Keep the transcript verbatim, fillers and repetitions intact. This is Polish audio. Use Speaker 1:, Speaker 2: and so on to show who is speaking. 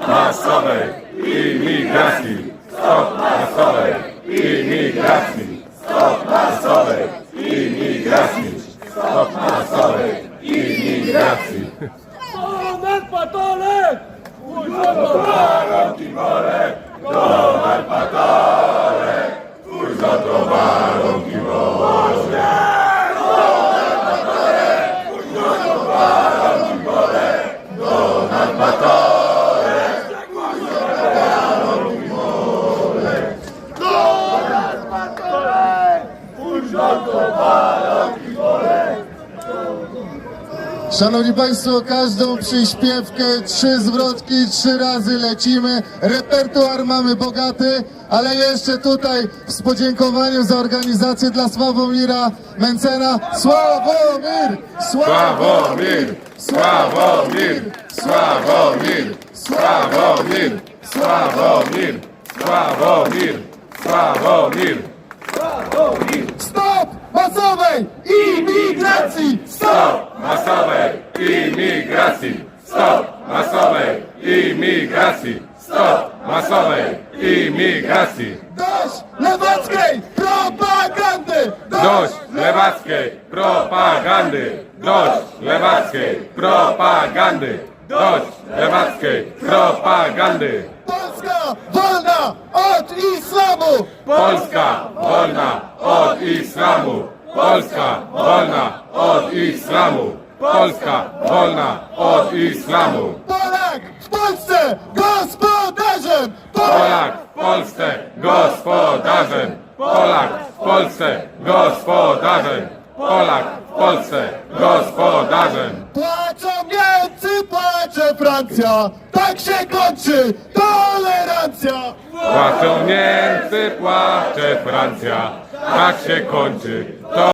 Speaker 1: masowej imigracji! Stop masowej imigracji! Stop masowej imigracji! Stop masowej imigracji!
Speaker 2: Donald Patolek!
Speaker 1: Baron Kibolek! Donald Patolek! Twój za to Baron Kibolek! Donald Patolek! Twój za to Baron Kibolek! Donald Patolek! Twój za to Baron Kibolek! Donald Patolek! Twój za to Baron Kibolek!
Speaker 3: Szanowni Państwo, każdą przyśpiewkę, trzy zwrotki, trzy razy lecimy. Repertuar mamy bogaty, ale jeszcze tutaj w podziękowaniu za organizację dla Sławomira Mencena. Sławomir!
Speaker 1: Sławomir! Sławomir! Sławomir! Sławomir! Sławomir! Sławomir! Sławomir!
Speaker 3: Stop masowej imigracji!
Speaker 1: Stop masowej imigracji! Stop masowej imigracji! Stop masowej imigracji!
Speaker 3: Dość lewackiej propagandy!
Speaker 1: Dość lewackiej propagandy! Dość lewackiej propagandy! Dość lewackiej propagandy!
Speaker 3: Polska wolna od islamu!
Speaker 1: Polska wolna od islamu! Polska wolna od islamu! Polska wolna od islamu!
Speaker 3: Polak w Polsce gospodarzem!
Speaker 1: Polak w Polsce gospodarzem! Polak w Polsce gospodarzem! Polak w Polsce gospodarzem!
Speaker 3: Płaczą Niemcy, płacze Francja! Tak się kończy tolerancja!
Speaker 1: Płaczą Niemcy, płacze Francja, tak się kończy to.